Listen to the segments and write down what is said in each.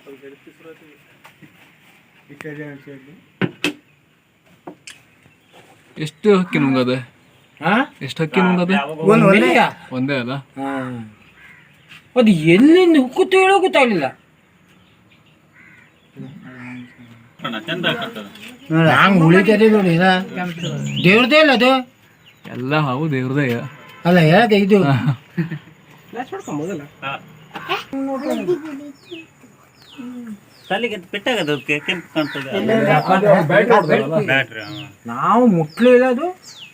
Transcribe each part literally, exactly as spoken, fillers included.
ಎಷ್ಟು ಹಕ್ಕಿ ನುಂಗದೆ? ಎಷ್ಟು ಹಕ್ಕಿ ನುಂಗದೆ? ಒಂದೇ ಅಲ್ಲ. ಅದು ಎಲ್ಲಿಂದ ಹುಕ್ಕುತ್ತು ಹೇಳೋ ಗೊತ್ತಾಗಲಿಲ್ಲ. ಹಂಗೆ ಉಳಿತದೆ ನೋಡಿ, ದೇವ್ರದೇ ಅಲ್ಲ ಅದು ಎಲ್ಲ. ಹಾವು ದೇವ್ರದೇ ಅಲ್ಲ ಹೇಳದೆ ಇದು. ನಾವು ಮುಟ್ಲಿಲ್ಲ ಅದು.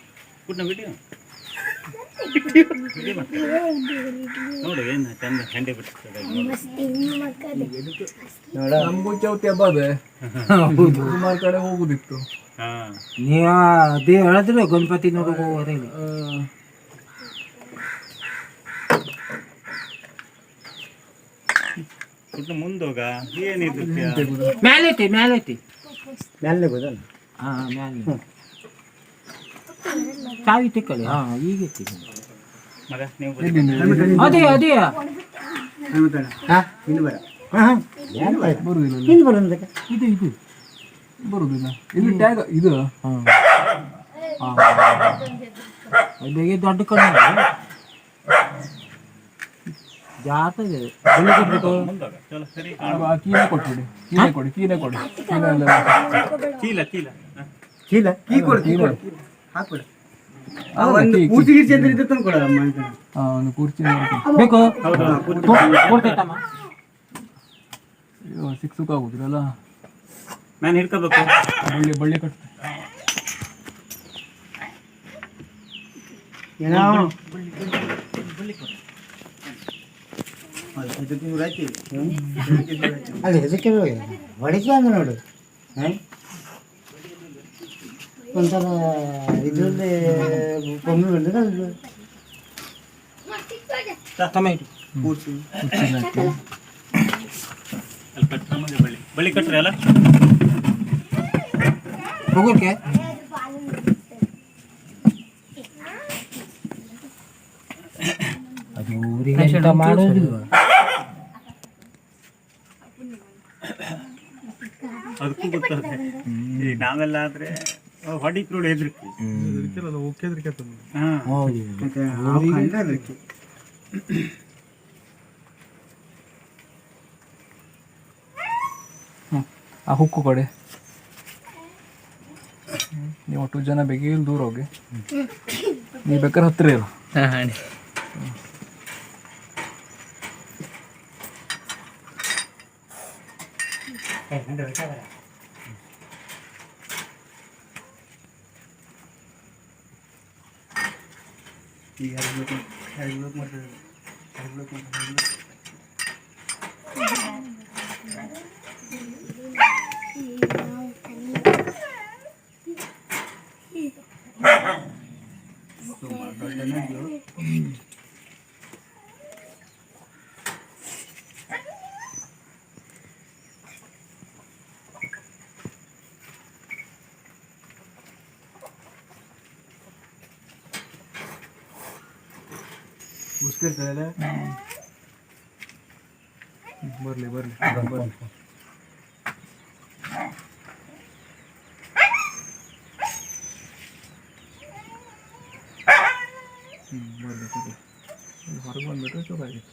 ನಮಗೂ ಚೌತಿ ಹಬ್ಬ ಅದೇ ಸುಮಾರು ಕಡೆ ಹೋಗುದಿತ್ತು. ನೀವ ಅದೇ ಹೇಳಿದ್ರೆ ಗಣಪತಿ ನೋಡಕ್ ಹೋಗೋದೇ. ಮುಂದೋಗ ಏನಿದು ಮ್ಯಾಲೈತಿ ಮ್ಯಾಲೈತಿ ಮ್ಯಾಲೆ ಗೊತ್ತಲ್ಲ. ಹಾ ಮ್ಯಾಲೆ ಚಾವಿ ತಿಕ್ಕಳಿ. ಹಾ ಈಗ ಅದೇ ಅದೇ ಇದು ಇದು ಬರುದಿಲ್ಲ. ಇಲ್ಲಿ ಟ್ಯಾಗ್ ಇದು ಬೇಗ ದೊಡ್ಡ ಕಡೆ ಜಾತದೆ. ಕೀಲೆ ಕೊಟ್ಬಿಡಿ, ಕೀಲೆ ಕೊಡಿ, ಕೀಲೆ ಕೊಡಿ. ಚೀಲ ಚೀಲ ಚೀಲ ಕೀ ಕೊಡು, ಕೀ ಕೊಡು ಹಾಕ್ಬಿಡು. ಒಂದು ಕುರ್ಚಿ ಗಿರ್ಚಿ ಅಂತ ಇದ್ರೆ ತಂದು ಕೊಡಲ್ಲ. ಹಾಂ, ಒಂದು ಕುರ್ಚಿ ಬೇಕು ಕೊಡ್ತೈತಮ್ಮ. ಅಯ್ಯೋ ಸಿಕ್ ಸುಖ ಆಗುದಿಲ್ಲ. ನಾನು ಹಿಡ್ಕೋಬೇಕು. ಬಳ್ಳಿ ಬಳ್ಳಿ ಕಟ್ತೆ. ಏನೋ ಅಲ್ಲಿ ಹೆದರಿಕೆ ಹೊಡಿಕೆ ಅಂದ್ರೆ ನೋಡು. ಒಂಥರ ಇದರಲ್ಲಿ ಬೊಮ್ಮೆ ಬಂದಿದೆ. ಟೊಮೆಟೊ ಬಳ್ಳಿ ಬಳ್ಳಿ ಕಟ್ಟ್ರಿ ಅಲ್ಲ ಹೋಗೋಕೆ. ಅದು ಊರಿಗೆ ಮಾಡೋದಿಲ್ವ? ಅದಕ್ಕೂ ಗೊತ್ತಾಗುತ್ತೆ. ಈಗ ನಾವೆಲ್ಲ ಆದ್ರೆ ಹೊಡಿತ್ರೋಡು ಹೆದರಿಕೆ. ಆ ಹುಕ್ಕು ಕೊಡಿ. ನೀವು ಒಟ್ಟು ಜನ ಬೇಗ ಇಲ್ಲಿ ದೂರ ಹೋಗಿ, ನೀವು ಬೇಕಾದ್ರೆ ಹತ್ತಿರ ಇರು. ಈಗ ಹೆಲ್ಮೆಟ್ ಮಾಡ್ತಾರೆ, ಹೆಲ್ಮೆಟ್ ಮಾಡ್ತಾರೆ. ಮುಸ್ಕಿರ್ತಾರೆ. ಬರಲಿ ಬರಲಿ ಬರಲಿ. ಹ್ಞೂ ಬರಲಿ ಬರಲಿ. ಹೊರಗೆ ಬಂದುಬಿಟ್ರೆ ಚೂರಾಗಿತ್ತು.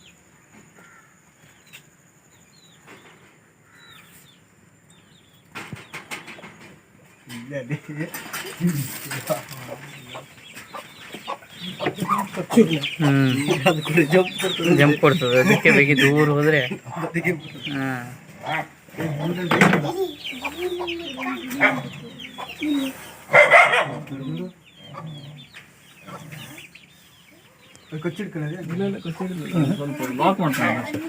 ಜಂಪ್ ಕೊಡ್ತದೆ, ಅದಕ್ಕೆ ಬೇಗ ದೂರ ಹೋದ್ರೆ. ಕಚ್ಚಿಡ್ಕೊಳ್ಳೋದೇ ಇಲ್ಲ ಇಲ್ಲ ಕಚ್ಚಿಡಿಲ್ಲ, ಸ್ವಲ್ಪ ಲಾಕ್ ಮಾಡ್ತಾನೆ ಅಷ್ಟೇ.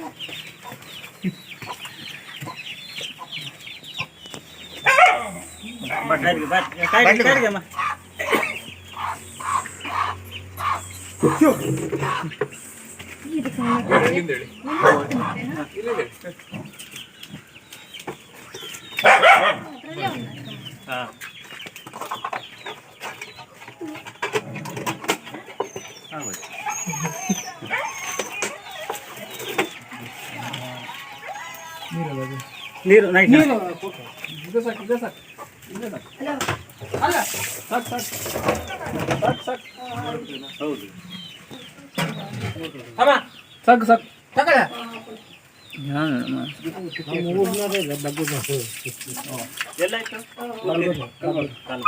ನೀರು ನೈಟ್ ಇದು ಸಾಕು ಇದು ಸಾಕು ಇದು ಸಾಕು ಅಲ್ಲ ಸಾಕು ಸಾಕು ಸಾಕು ಸಾಕು ಹೌದು ಸಾಕು ಸಾಕು ತಗೊಳ್ಳ ಎಲ್ಲ ಆಯ್ತು